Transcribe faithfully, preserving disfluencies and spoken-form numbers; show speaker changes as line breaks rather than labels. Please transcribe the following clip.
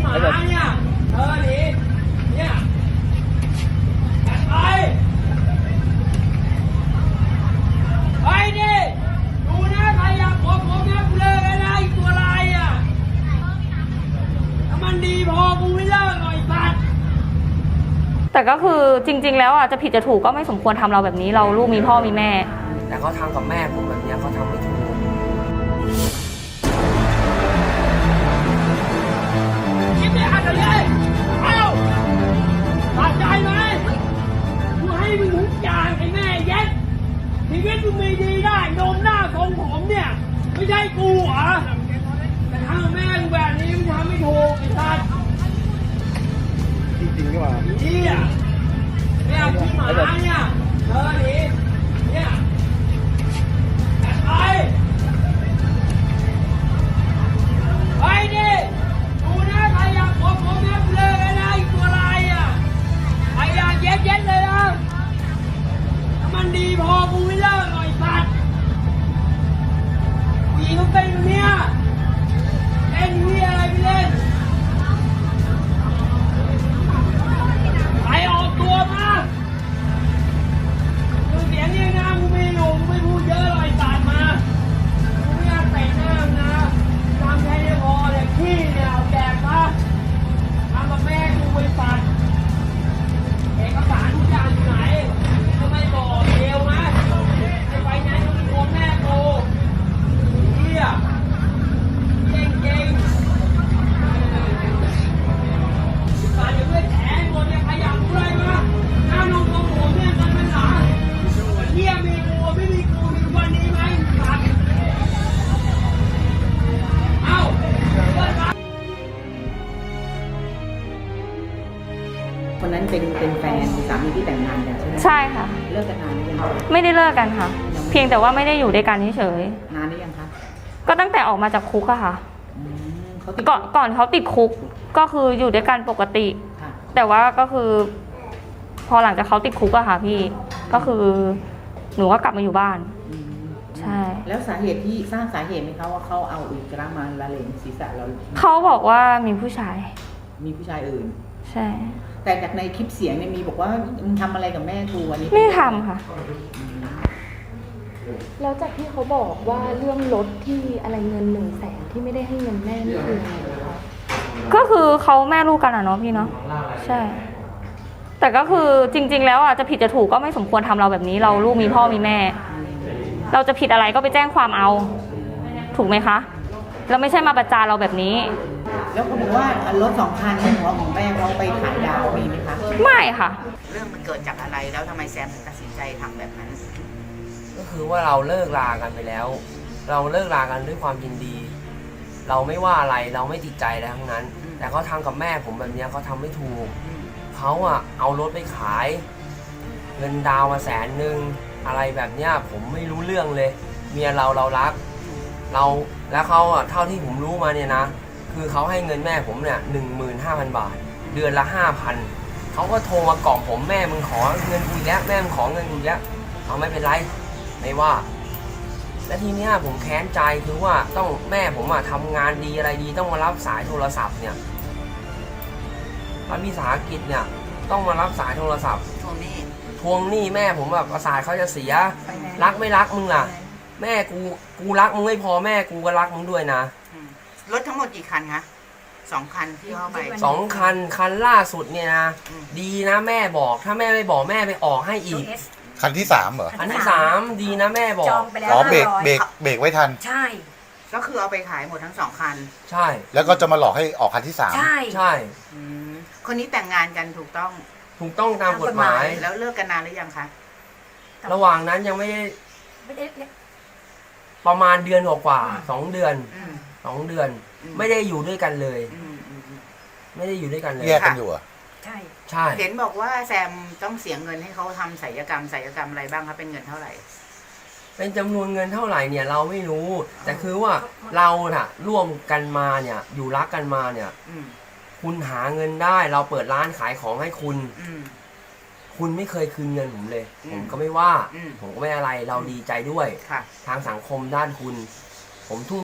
หมาเนี่ยเธอหนีเนี่ยไปไปดิดูนะใครอยากขอผมนะกูเลิกกันนะไอ้ตัวลายอ่ะถ้ามันดีพอกูไม่เลิกหน่อยสัตว์
แต่ก็คือจริงๆแล้วอ่ะจะผิดจะถูกก็ไม่สมควรทำเราแบบนี้เราลูกมีพ่อมีแม่
แต่เขาทำกับแม่ผมแบบนี้เขาทำไม่ถูก
คิดไม่อัดเลยเอ้าตัดใจไหมกูให้มึงทุกอย่างไอ้แม่เย็ดชีวิตมึงมีดีได้นมหน้าทรงผมเนี่ยไม่ใช่กูเหรอแต่ทำกับแม่กูแบบนี้มึงทำไม่ถูกไอ้สัตว์
จริงๆก็ว่า
นี่อ่ะเนี่ยพี่หมาเนี่ยเธอหนีเนี่ยไปไปดิดูนะใครอยากขอผมนะกูเลิกกันนะไอ้ตัวลายอ่ะใครอยากเย็ดเย็ดเลยนะถ้ามันดีพอกูไม่เลิกหน่อยสัตว์ผู้หญิงเขาเป็นอย่างเนี้ยเล่นที่อะไรไม่เล่นไปออกตัวมาดูเสียงนี่นะกูไม่อยู่กูไม่พูดเยอะหรอกไอ้สัตว์มากูไม่อยากเตะหน้ามึงนะทำแค่นี้พอเนี่ยขี้เนี่ยเอาแดกมาทำกับแม่กูไปปัดเอกสารทุกอย่างอยู่ไหนทำไมบอกเดียวนะไอ้ไฟแนนซ์ต้องมีโอนแม่กูเฮียเก่งเก่งตาอย่าเพื่อนแฉหมดเนี่ยใครอยากรู้อะไรมาหน้านมของผมเนี่ยกันเป็นหลานเฮียมีกูไม่มีกูมีวันนี้ไหมสัตว์เอ้า
คนนั้นเป็นเป็นแฟนสามีที่แต่งงานกันใช่ไหม
ใช่ค่ะ
เลิกกันนานหรือยัง
ไม่ได้เลิกกันค่ะเพียงแต่ว่าไม่ได้อยู่ด้วยกันเฉย
นานหรือยังคะ
ก็ตั้งแต่ออกมาจากคุกอะค่ะก่อนก่อนเขาติดคุกก็คืออยู่ด้วยกันปกติแต่ว่าก็คือพอหลังจากเขาติดคุกอะค่ะพี่ก็คือหนูก็กลับมาอยู่บ้านใช่
แล้วสาเหตุที่สร้างสาเหตุไหมคะว่าเขาเอาอุจจาระมาละเลงศีรษะเรา
เขาบอกว่ามีผู้ชาย
มีผู้ชายอื่น
ใช่
แต่จากในคลิปเสียงเนี่ยมีบอกว่ามึงทำอะไรกับแม่กูอันนี้
ไม่ทำค่ะ
แล้วจากที่เขาบอกว่าเรื่องรถที่อะไรเงินหนึ่งแสนที่ไม่ได้ให้เงินแม่นี่คือยังไงคะ
ก็คือเขาแม่ลูกกันอะเนาะพี่เนาะใช่แต่ก็คือจริงๆแล้วอ่ะจะผิดจะถูกก็ไม่สมควรทำเราแบบนี้เราลูกมีพ่อมีแม่เราจะผิดอะไรก็ไปแจ้งความเอาถูกไหมคะเราไม่ใช่มาประจานเราแบบนี้
แล้วเขาบอกว่ารถสองคันในหัวของแม่เขาไปขายดาวมีไหมคะ
ไม่ค่ะ
เรื่องมันเกิดจากอะไรแล้วทำไมแซมถึงตัดสินใจทำแบบนั้น
ก็คือว่าเราเลิกลากันไปแล้ว เราเลิกลากันด้วยความยินดีเราไม่ว่าอะไรเราไม่ติดใจอะไรทั้งนั้นแต่เขาทำกับแม่ผมแบบนี้เขาทำไม่ถูกเขาอะเอารถไปขายเงินดาวมาแสนหนึ่งอะไรแบบเนี้ยผมไม่รู้เรื่องเลยเมียเราเรารักเราแล้วเขาอะเท่าที่ผมรู้มาเนี่ยนะคือเขาให้เงินแม่ผมเนี่ยหนึ่งหมื่นห้าพันบาทเดือนละห้าพันเขาก็โทรมากล่อมผมแม่มึงขอเงินกูแล้วแม่มึงขอเงินกูแล้วเอาไม่เป็นไรไม่ว่าและทีเนี้ยผมแค้นใจคือว่าต้องแม่ผมอะทำงานดีอะไรดีต้องมารับสายโทรศัพท์เนี่ยรัฐวิสาหกิจเนี่ยต้องมารับสายโทรศัพท์
ทวงหนี้
ทวงหนี้แม่ผมแบบประสาทเขาจะเสียรักไม่รักมึงล่ะแม่กูกูรักมึงไม่พอแม่กูก็รักมึงด้วยนะ
รถทั้งหมดกี่คันคะสองคันที่เข้าไป
สองคันคันล่าสุดเนี่ยนะดีนะแม่บอกถ้าแม่ไม่บอกแม่ไปออกให้อีก
คันที่สามเหรอ
คันที่สามดีนะแม่บอก
อ๋อเบรกเบรกเบรกไว้ทัน
ใช่ก็คือเอาไปขายหมดทั้งสองคัน
ใช่
แล้วก็จะมาหลอกให้ออกคันที่สาม
ใช่
ใช่
คนนี้แต่งงานกันถูกต้อง
ถูกต้องตามกฎหมาย
แล้วเลิกกันนานหรือยังคะ
ระหว่างนั้นยังไม่ได้ประมาณเดือนกว่าสองเดือนสองเดือนไม่ได้อยู่ด้วยกันเลยไม่ได้อยู่ด้วยกันเลย
แยกกันอยู่อ่ะ
ใช่ใช่เห็นบอกว่าแซมต้องเสียเงินให้เขาทำศัลยกรรมศัลยกรรมอะไรบ้างครับเป็นเงินเท่าไหร่
เป็นจำนวนเงินเท่าไหร่เนี่ยเราไม่รู้แต่คือว่าเราน่ะร่วมกันมาเนี่ยอยู่รักกันมาเนี่ยคุณหาเงินได้เราเปิดร้านขายของให้คุณคุณไม่เคยคืนเงินผมเลยผมก็ไม่ว่าผมก็ไม่อะไรเราดีใจด้วยทางสังคมด้านคุณผมทุ่ม